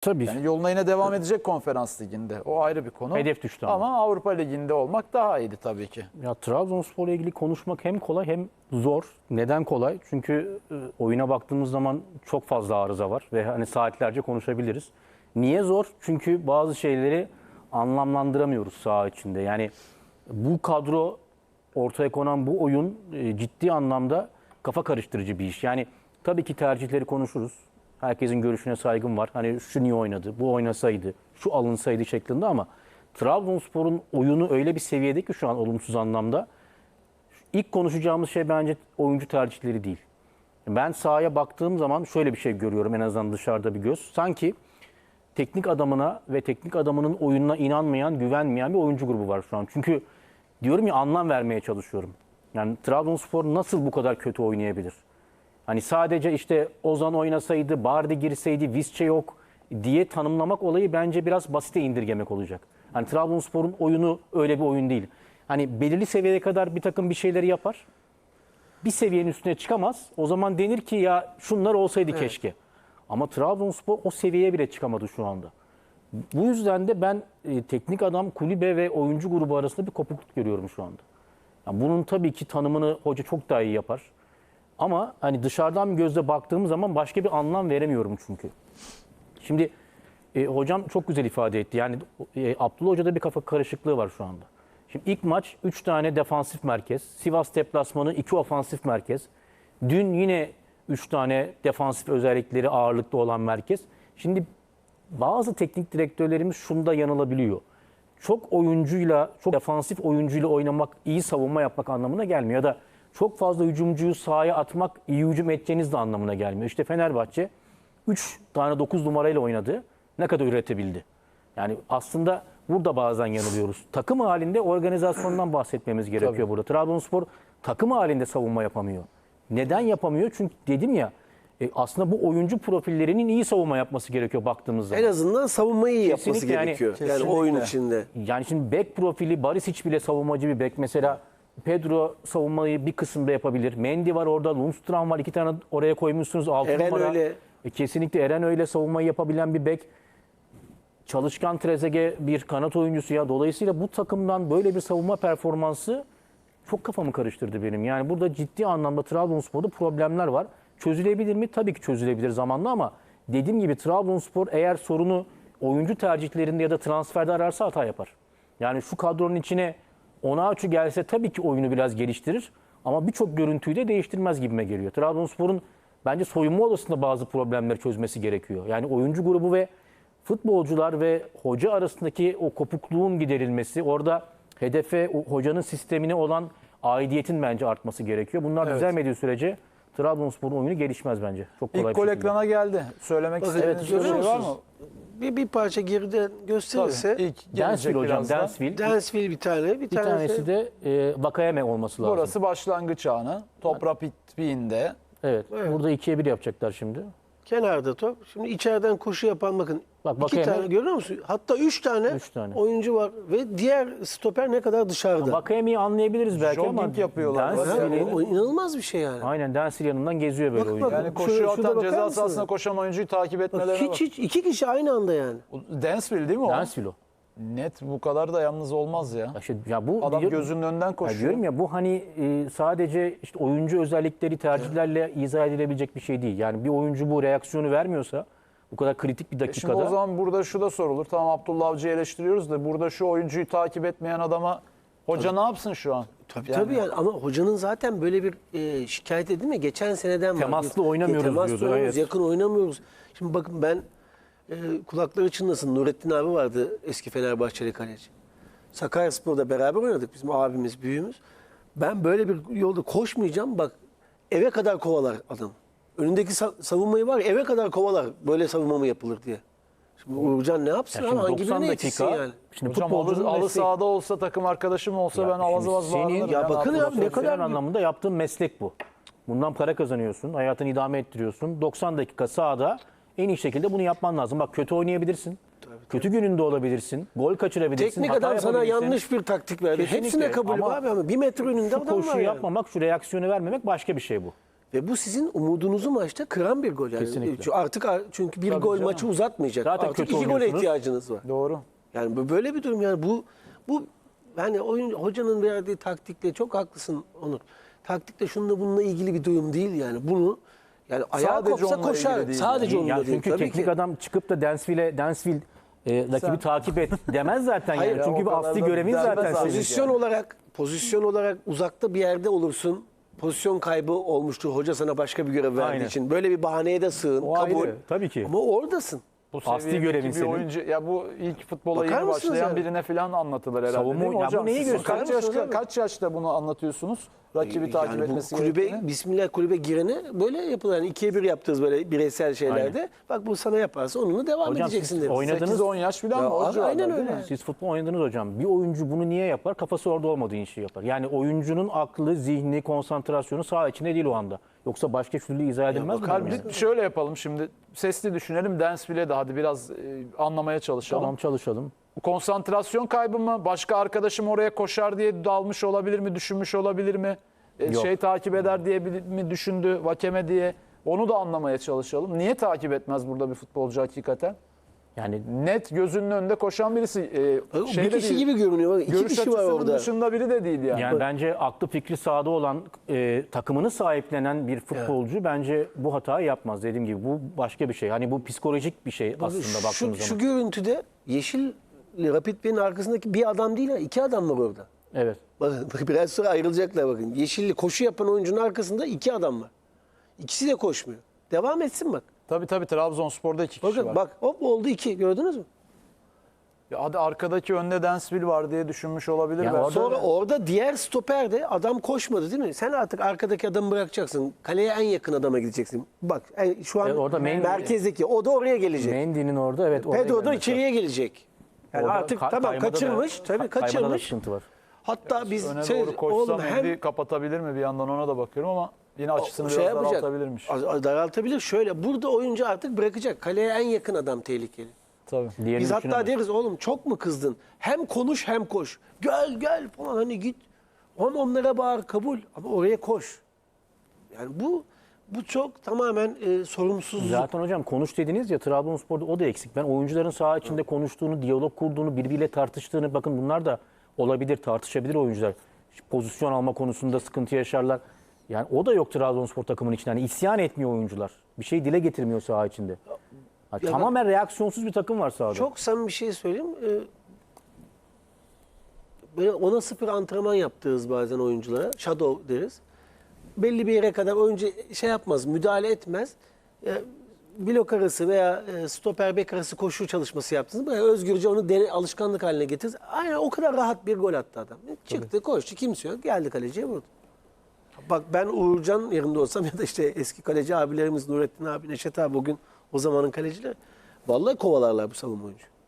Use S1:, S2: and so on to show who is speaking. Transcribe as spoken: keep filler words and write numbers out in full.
S1: Tabii.
S2: Yani yoluna yine devam edecek Konferans Ligi'nde. O ayrı bir konu.
S1: Hedef düştü ama.
S2: Ama Avrupa Ligi'nde olmak daha iyiydi tabii ki.
S1: Ya Trabzonspor'la ilgili konuşmak hem kolay hem zor. Neden kolay? Çünkü e, oyuna baktığımız zaman çok fazla arıza var ve hani saatlerce konuşabiliriz. Niye zor? Çünkü bazı şeyleri anlamlandıramıyoruz saha içinde. Yani bu kadro, ortaya konan bu oyun e, ciddi anlamda kafa karıştırıcı bir iş. Yani tabii ki tercihleri konuşuruz. Herkesin görüşüne saygım var. Hani şu niye oynadı, bu oynasaydı, şu alınsaydı şeklinde ama Trabzonspor'un oyunu öyle bir seviyede ki şu an olumsuz anlamda. İlk konuşacağımız şey bence oyuncu tercihleri değil. Ben sahaya baktığım zaman şöyle bir şey görüyorum, en azından dışarıda bir göz. Sanki teknik adamına ve teknik adamının oyununa inanmayan, güvenmeyen bir oyuncu grubu var şu an. Çünkü diyorum ya, anlam vermeye çalışıyorum. Yani Trabzonspor nasıl bu kadar kötü oynayabilir? Hani sadece işte Ozan oynasaydı, Bardi girseydi, Visca yok diye tanımlamak olayı bence biraz basite indirgemek olacak. Hani Trabzonspor'un oyunu öyle bir oyun değil. Hani belirli seviyeye kadar bir takım bir şeyleri yapar. Bir seviyenin üstüne çıkamaz. O zaman denir ki ya şunlar olsaydı
S3: Evet.
S1: keşke. Ama Trabzonspor o seviyeye bile çıkamadı şu anda. Bu yüzden de ben e, teknik adam, kulübe ve oyuncu grubu arasında bir kopukluk görüyorum şu anda. Yani bunun tabii ki tanımını hoca çok daha iyi yapar. Ama hani dışarıdan bir gözle baktığım zaman başka bir anlam veremiyorum çünkü. Şimdi e, hocam çok güzel ifade etti. Yani e, Abdullah Hoca'da bir kafa karışıklığı var şu anda. Şimdi ilk maç üç tane defansif merkez. Sivas deplasmanı iki ofansif merkez. Dün yine üç tane defansif özellikleri ağırlıklı olan merkez. Şimdi bazı teknik direktörlerimiz şunda yanılabiliyor. Çok oyuncuyla, çok defansif oyuncuyla oynamak iyi savunma yapmak anlamına gelmiyor. Ya da çok fazla hücumcuyu sahaya atmak iyi hücum edeceğiniz de anlamına gelmiyor. İşte Fenerbahçe üç tane dokuz numarayla oynadı. Ne kadar üretebildi? Yani aslında burada bazen yanılıyoruz. Takım halinde organizasyondan bahsetmemiz gerekiyor
S2: Tabii.
S1: burada. Trabzonspor takım halinde savunma yapamıyor. Neden yapamıyor? Çünkü dedim ya, e, aslında bu oyuncu profillerinin iyi savunma yapması gerekiyor baktığımız zaman.
S3: En azından savunmayı iyi yapması
S1: Kesinlikle yani,
S3: gerekiyor. Yani,
S2: kesinlikle.
S3: oyun içinde.
S1: Yani şimdi bek profili, Barisic bile savunmacı bir bek. Mesela Pedro savunmayı bir kısımda yapabilir. Mendy var orada, Lundstram var. İki tane oraya koymuşsunuz. Altı
S3: Eren
S1: numara.
S3: öyle.
S1: E, kesinlikle Eren öyle savunmayı yapabilen bir bek. Çalışkan Trezeguet bir kanat oyuncusu ya. Dolayısıyla bu takımdan böyle bir savunma performansı çok kafamı karıştırdı benim. Yani burada ciddi anlamda Trabzonspor'da problemler var. Çözülebilir mi? Tabii ki çözülebilir zamanla ama dediğim gibi Trabzonspor eğer sorunu oyuncu tercihlerinde ya da transferde ararsa hata yapar. Yani şu kadronun içine Onaçu gelse tabii ki oyunu biraz geliştirir ama birçok görüntüyü de değiştirmez gibime geliyor. Trabzonspor'un bence soyunma odasında bazı problemleri çözmesi gerekiyor. Yani oyuncu grubu ve futbolcular ve hoca arasındaki o kopukluğun giderilmesi, orada hedefe, o hocanın sistemine olan aidiyetin bence artması gerekiyor. Bunlar
S2: Evet.
S1: düzelmediği sürece Trabzonspor'un oyunu gelişmez bence. Çok kolay
S2: İlk
S1: bir
S2: gol
S1: şekilde.
S2: ekrana geldi. Söylemek
S3: Bakın,
S2: istediğiniz bir
S3: görüyor
S2: şey var mı?
S3: musunuz? Bir, bir parça geriden gösterirse
S2: Tabii. İlk gelecek
S1: Dansville hocam,
S2: birazdan.
S1: Dansville.
S3: Dansville bir tane, bir,
S1: Bir
S3: tanesi,
S1: tanesi de e, Vakayeme olması lazım.
S2: Burası başlangıç anı. Top rapidliğinde.
S1: Evet,
S3: Evet.
S1: burada ikiye bir yapacaklar şimdi.
S3: kenarda top. Şimdi içeriden koşu yapan bakın.
S1: Bak,
S3: iki
S1: Vakayeme-
S3: tane görüyor musun? Hatta üç tane,
S1: Üç tane.
S3: oyuncu var ve diğer stoper ne kadar dışarıda.
S1: Vakayeme'yi anlayabiliriz belki ama
S2: Jogging yapıyorlar.
S3: Ha,
S1: Dansville'in-
S3: o, o inanılmaz bir şey yani.
S1: aynen Dansville yanından geziyor böyle
S3: Bak,
S1: oyuncu.
S3: bak.
S2: Yani
S3: Şurada-
S2: koşuyu
S3: şurada
S2: atan,
S3: bakar
S2: ceza
S3: mısınız?
S2: sahasına koşan oyuncuyu takip
S3: Bak,
S2: etmelerine bak.
S3: hiç, hiç iki kişi aynı anda yani.
S2: Dansville değil mi o?
S1: Dansville o.
S2: Net bu kadar da yalnız olmaz ya.
S1: Ya işte, ya bu
S2: Adam
S1: diyor-
S2: gözünün önünden
S1: Ya
S2: koşuyor.
S1: diyorum ya, bu hani e, sadece işte oyuncu özellikleri, tercihlerle izah edilebilecek bir şey değil. Yani bir oyuncu bu reaksiyonu vermiyorsa bu kadar kritik bir
S2: Şimdi
S1: dakikada.
S2: o zaman burada şu da sorulur. Tamam, Abdullah Avcı'yı eleştiriyoruz da burada şu oyuncuyu takip etmeyen adama hoca ne yapsın şu an?
S3: Tabii tabii yani ama hocanın zaten böyle bir e, şikayet edildi mi? Geçen seneden var.
S1: Temaslı
S3: Bir-
S1: oynamıyoruz
S3: temaslı
S1: diyordu,
S3: oynamıyoruz,
S1: evet.
S3: yakın oynamıyoruz. Şimdi bakın ben e, kulakları çınlasın. Nurettin abi vardı, eski Fenerbahçeli kaleci. Sakaryaspor'da beraber oynadık, bizim abimiz, büyüğümüz. Ben böyle bir yolda koşmayacağım, bak eve kadar kovalar adam. Önündeki sa- savunmayı var ya, eve kadar kovalar, böyle savunma mı yapılır diye. Şimdi Uğurcan ne yapsın
S1: Ya
S3: abi?
S1: şimdi
S3: Hangi
S1: doksan
S3: birine yetişsin
S1: dakika.
S3: yani?
S1: Şimdi
S2: Hocam
S1: futbolcunun
S2: alı, alı
S1: mesleği.
S2: sahada olsa, takım arkadaşım olsa
S1: Ya
S2: ben
S1: şimdi
S2: avaz avaz
S1: senin-
S2: bağırırım.
S3: Ya bakın ya, ne kadar
S1: Profesyonel
S3: büyük-
S1: anlamında yaptığın meslek bu. Bundan para kazanıyorsun, hayatını idame ettiriyorsun. doksan dakika sahada en iyi şekilde bunu yapman lazım. Bak, kötü oynayabilirsin. Kötü gününde olabilirsin. Gol kaçırabilirsin.
S3: Teknik
S1: hata
S3: adam sana
S1: yapabilirsin.
S3: yanlış bir taktik verdi.
S1: Kesinlikle.
S3: Hepsine kabul
S1: Ama
S3: abi ama bir metre önünde
S1: Şu
S3: adam var
S1: koşuyu
S3: yani.
S1: yapmamak, şu reaksiyonu vermemek başka bir şey bu.
S3: Ve bu sizin umudunuzu maçta kıran bir gol. Yani.
S1: Kesinlikle.
S3: Çünkü Artık çünkü bir
S2: Tabii
S3: gol
S2: canım.
S3: maçı uzatmayacak.
S1: Zaten
S3: Artık
S1: kötü
S3: iki gole
S1: oynuyorsunuz.
S3: ihtiyacınız var.
S2: Doğru.
S3: Yani bu böyle bir durum yani bu bu yani oyun hocanın verdiği taktikle çok haklısın Onur. Taktikle şununla bununla ilgili bir durum değil yani. Bunu yani ayağa
S2: Sadece
S3: kopsa
S2: onunla
S3: koşar.
S2: ilgili değil
S3: Sadece
S1: Ya
S3: onunla değil.
S1: çünkü
S3: Tabii
S1: teknik
S3: ki.
S1: adam çıkıp da Dansville'e Dansville e, rakibi
S2: Sen-
S1: takip et demez zaten
S3: Hayır,
S1: yani.
S3: ya
S1: Çünkü
S2: o
S1: bir
S2: kadar
S1: asli
S2: da
S1: görevin
S2: demez
S1: zaten
S2: abi.
S1: senin.
S3: Pozisyon olarak pozisyon olarak uzakta bir yerde olursun. Pozisyon kaybı olmuştur. Hoca sana başka bir görev verdiği
S1: Aynen.
S3: için. Böyle bir bahaneye de sığın.
S1: O
S3: kabul.
S1: ayrı, tabii ki.
S3: Ama oradasın.
S2: Bu
S1: Asli
S2: seviyedeki
S1: görevin
S2: bir
S1: senin.
S2: oyuncu ya bu ilk futbola
S3: Bakar
S2: yeni
S3: mısınız
S2: başlayan
S3: yani?
S2: birine falan anlatılır herhalde.
S1: Savunma-
S2: değil mi
S1: ya bu
S2: hocam?
S1: neyi
S2: Siz
S1: gösteriyor?
S2: kaç,
S3: Bakar
S2: yaş,
S3: mısınız abi?
S2: kaç yaşta bunu anlatıyorsunuz? Rakibi takip
S3: Yani bu
S2: etmesi
S3: kulübe,
S2: gerektiğini.
S3: Bismillah kulübe girene böyle yapılır. Yani ikiye bir yaptığınız böyle bireysel şeylerde.
S1: Aynen.
S3: Bak bu sana yaparsa onunla devam
S1: Hocam
S3: edeceksin
S1: siz
S3: deriz.
S1: oynadınız.
S2: sekiz on yaş falan
S3: Ya
S2: mı? O
S3: abi,
S2: civarlar
S3: aynen
S2: değil
S3: öyle.
S2: mi?
S1: Siz futbol oynadınız hocam. Bir oyuncu bunu niye yapar? Kafası orada olmadığı işi yapar. Yani oyuncunun aklı, zihni, konsantrasyonu saha içinde değil o anda. Yoksa başka türlü izah edilmez mi?
S2: Kalbi
S1: durum yani?
S2: şöyle yapalım şimdi. Sesli düşünelim. Dansville'e de hadi biraz e, anlamaya çalışalım.
S1: Tamam çalışalım.
S2: Konsantrasyon kaybı mı? Başka arkadaşım oraya koşar diye dalmış olabilir mi? Düşünmüş olabilir mi? E,
S1: Yok.
S2: şey takip eder diye bir- mi düşündü? Vakeme diye. Onu da anlamaya çalışalım. Niye takip etmez burada bir futbolcu hakikaten?
S1: Yani
S2: Net gözünün önünde koşan birisi. E,
S3: Bak,
S2: şey
S3: bir
S2: de
S3: kişi
S2: değil,
S3: gibi görünüyor. Bak, iki
S2: görüş
S3: kişi var
S2: açısının
S3: orada.
S2: dışında biri de değil yani.
S1: Yani bence aklı fikri sahada olan, e, takımını sahiplenen bir futbolcu bence bu hatayı yapmaz. Dediğim gibi bu başka bir şey. Hani bu psikolojik bir şey aslında
S3: şu,
S1: baktığımız
S3: şu
S1: zaman.
S3: görüntüde Yeşil Rapid Bey'in arkasındaki bir adam değil ha. iki adam var orada.
S1: Evet.
S3: Bakın biraz sonra ayrılacaklar bakın. Yeşilli koşu yapan oyuncunun arkasında iki adam var. İkisi de koşmuyor. Devam etsin bak.
S2: Tabii tabii Trabzonspor'da iki kişi
S3: Bakın
S2: var.
S3: bak hop oldu iki gördünüz mü?
S2: Ya hadi arkadaki önde Dansville var diye düşünmüş olabilir.
S1: Ya
S2: belki.
S1: orada-
S3: Sonra orada diğer stoper de adam koşmadı değil mi? Sen artık arkadaki adamı bırakacaksın. Kaleye en yakın adama gideceksin. Bak en- şu an
S1: Evet, orada main-
S3: merkezdeki o da oraya gelecek.
S1: Mendy'nin orada evet. oraya
S3: Pedro da
S1: gelmesi
S3: içeriye gelecek. Yani
S1: Orada
S3: artık
S1: ka-
S3: tamam
S1: kaymada da-
S3: kaçırmış. tabii
S1: ka- kaymada da
S3: kaçırmış.
S1: sıkıntı var.
S3: Hatta biz
S2: Öne
S3: şey,
S2: doğru koşsa
S3: oğlum hem
S2: Mendy kapatabilir mi? Bir yandan ona da bakıyorum ama yine açısını
S3: şey
S2: biraz
S3: yapacak.
S2: daraltabilirmiş.
S3: az- az Daraltabilir. Şöyle burada oyuncu artık bırakacak. Kaleye en yakın adam tehlikeli.
S2: Tabii.
S1: Diğerini
S3: Biz hatta
S1: düşünemez.
S3: deriz oğlum çok mu kızdın? Hem konuş hem koş. Gel gel falan hani git. Hem onlara bağır kabul ama oraya koş. Yani bu bu çok tamamen e, sorumsuzluk.
S1: Zaten hocam konuş dediniz ya Trabzonspor'da o da eksik. Ben oyuncuların saha içinde konuştuğunu, diyalog kurduğunu, birbiriyle tartıştığını bakın bunlar da olabilir, tartışabilir oyuncular. Pozisyon alma konusunda sıkıntı yaşarlar. Yani o da yok Trabzonspor takımının içinde. Yani isyan etmiyor oyuncular. Bir şey dile getirmiyor saha içinde. Ha,
S3: Ya
S1: tamamen reaksiyonsuz bir takım var sahada.
S3: Çok samimi bir şey söyleyeyim. Ee, böyle ona sıfır antrenman yaptığız bazen oyunculara. Shadow deriz. Belli bir yere kadar oyuncu şey yapmaz, müdahale etmez. Ee, blok arası veya e, stoper bek arası koşu çalışması yaptınız. Böyle özgürce onu dene, alışkanlık haline getirdiniz. Aynen o kadar rahat bir gol attı adam. Çıktı, koştu, kimse yok. Geldi kaleciye vurdu. Bak ben Uğurcan yerinde olsam ya da işte eski kaleci abilerimiz Nurettin abi, Neşet abi bugün o zamanın kalecileri. Vallahi kovalarlar bu savunma oyuncu.